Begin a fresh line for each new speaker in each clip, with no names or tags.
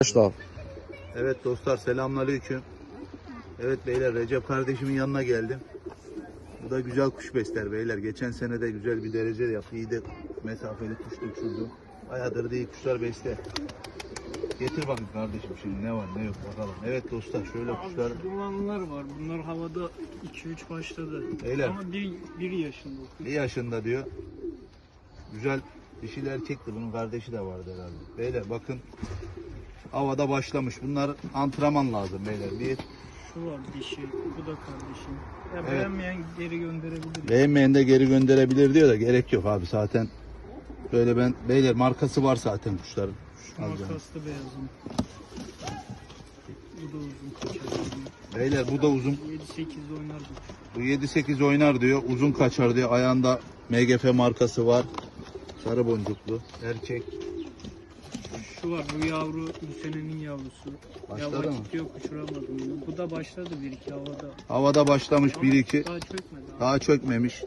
Başla.
Evet dostlar, selamünaleyküm. Evet beyler, Recep kardeşimin yanına geldim. Bu da güzel kuş besler beyler. Geçen sene de güzel bir derece yaptı. İyi de mesafeli kuş uçurdu. Bayağıdır da iyi kuşlar besler. Getir bakın kardeşim şimdi ne var ne yok bakalım. Evet dostlar, şöyle kuşlar.
Dumanlar var. Bunlar havada 2-3 başladı.
Beyler.
Ama bir yaşında.
Bir yaşında diyor. Güzel dişil erkekti. Bunun kardeşi de vardı herhalde. Beyler bakın. Havada başlamış. Bunlar antrenman lazım beyler. Bir.
Şu var dişi. Bu da kardeşim. Ya
Evet.
beğenmeyen geri gönderebilir.
Beğenmeyen de geri gönderebilir diyor da gerek yok abi zaten. Böyle ben beyler markası var zaten kuşların.
Şu makaslı beyazım. Bu da uzun kaçar.
Beyler bu da uzun.
7-8 oynar bu.
Bu 7-8 oynar diyor. Uzun kaçar diyor. Ayağında MGF markası var. Sarı boncuklu. Erkek.
Şu var bu yavru bu senenin yavrusu.
Başladı
ya
mı?
vakit yok uçuramadım bunu. Bu da başladı 1-2 havada.
Havada başlamış
Ama
1-2.
daha çökmedi.
Daha çökmemiş.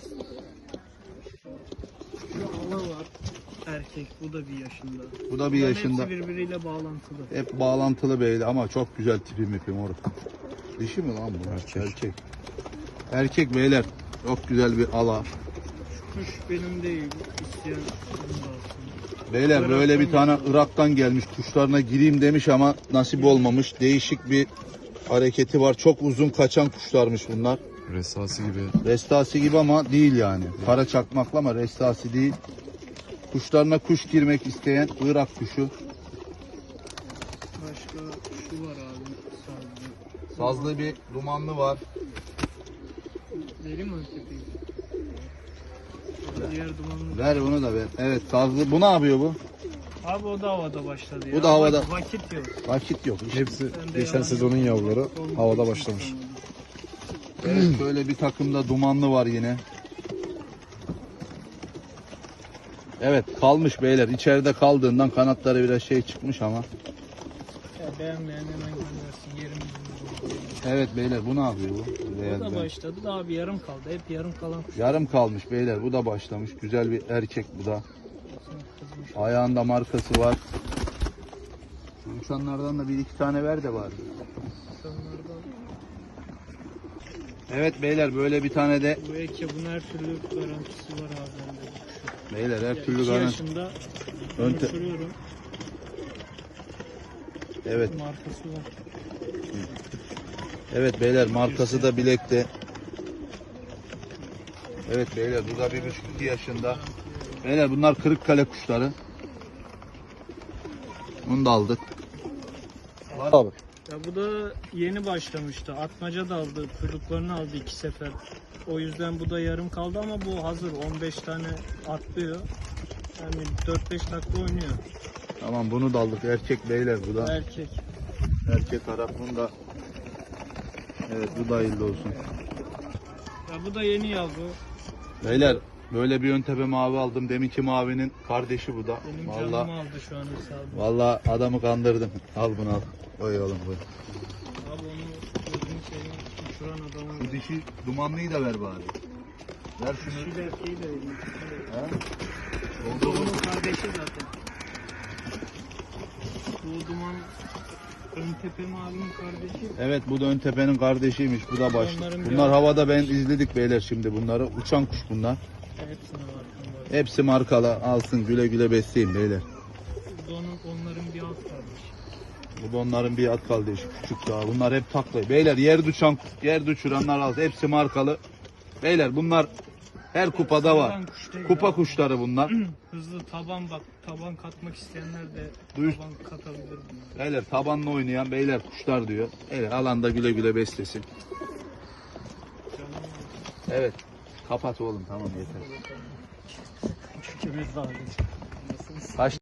Şu ala var. Erkek bu da bir yaşında.
Bu da bir
Bunların
yaşında.
hepsi birbiriyle bağlantılı.
Hep bağlantılı beyler ama çok güzel tipi mipi moruk. Dişi mi lan bu?
Erkek.
Erkek beyler. Çok güzel bir ala.
Kuş benim değil. İsteyen bunu da alsın.
Beyler böyle bir tane Irak'tan gelmiş, kuşlarına gireyim demiş ama nasip olmamış. Değişik bir hareketi var. Çok uzun kaçan kuşlarmış bunlar.
Resası gibi.
Restasi gibi ama değil yani. Kara çakmaklı ama restasi değil. Kuşlarına kuş girmek isteyen Irak kuşu.
Başka şu var abi. Sazlı.
Sazlı bir dumanlı var.
Vereyim mi tepeyi? Diğer dumanlı.
Ver bunu da ver. Evet sazlı. Bu ne yapıyor bu?
Abi o da havada başladı ya.
Bu da havada.
Vakit yok.
Vakit yok.
Hepsi
Ben de
geçen
yalan
sezonun
yok.
yavruları
Son
havada
bir
başlamış.
sezon.
Evet böyle bir takımda dumanlı var yine. Evet kalmış beyler. İçeride kaldığından kanatları biraz şey çıkmış ama.
Ya beğenmeyen hemen göndersin. Yerimiz bulur.
Evet beyler bu ne yapıyor bu?
Bu
Beyaz
da
ben.
başladı da abi yarım kaldı. Hep yarım kalan kuş.
Yarım kalmış beyler. Bu da başlamış. Güzel bir erkek bu da.
Kızmış.
Ayağında markası var. Şu uçanlardan da bir iki tane ver de bari.
İnsanlardan
Evet beyler böyle bir tane de
bu eke bunun her türlü garantisi var abi bende bu kuşun.
beyler her
Ya
türlü
2
garanti.
yaşında
Önte-
uçuruyorum.
Evet.
Markası var.
Evet beyler markası da bilekte. Evet beyler bu da 1,5-2 yaşında. Beyler bunlar Kırıkkale kuşları. Bunu da aldık.
Abi.
Ya bu da yeni başlamıştı. Atmaca da aldı. Çocuklarını aldı 2 sefer. O yüzden bu da yarım kaldı ama bu hazır. 15 tane atlıyor. Yani 4-5 dakika oynuyor.
Tamam bunu da aldık. Erkek beyler bu da.
Erkek.
Erkek Arap bunu da. Evet bu da hayırlı olsun.
Ya bu da yeni yavru.
Beyler böyle bir ön tepe mavi aldım. Deminki mavinin kardeşi bu da.
Benim
Vallahi
canımı aldı şu an hesabı.
vallahi adamı kandırdım. Al bunu al. Oy oğlum bu.
Abi onu gözünü seveyim uçuran adamı.
Şu dişi dumanlıyı da ver bari. Ver şunu.
Şu erkeği de vereyim.
Ha?
Bu onun kardeşi zaten. Bu duman ön tepe mavinin kardeşi.
Evet bu da ön tepenin kardeşiymiş. Bu da baş.
Onların bir
Bunlar
adı
havada ben izledik beyler şimdi bunları. Uçan kuş bunlar.
Hepsine var.
Hepsi markalı. Alsın güle güle besleyin beyler.
Bu da onların bir alt kardeşi.
Bu da onların bir at kardeşi. Küçük daha. Bunlar hep taklı. Beyler yer uçuranlar alsın. Hepsi markalı. Beyler bunlar her kupada var.
Sıradan kuş değil
Kupa
abi.
kuşları bunlar.
Hızlı taban bak. Taban katmak isteyenler de
Duyuş-
taban katabilir bunlar.
Beyler tabanla oynayan beyler kuşlar diyor. Beyler alanda güle güle beslesin.
Canım
Evet. Kapat oğlum tamam yeter.
çünkü biz daha
Kaç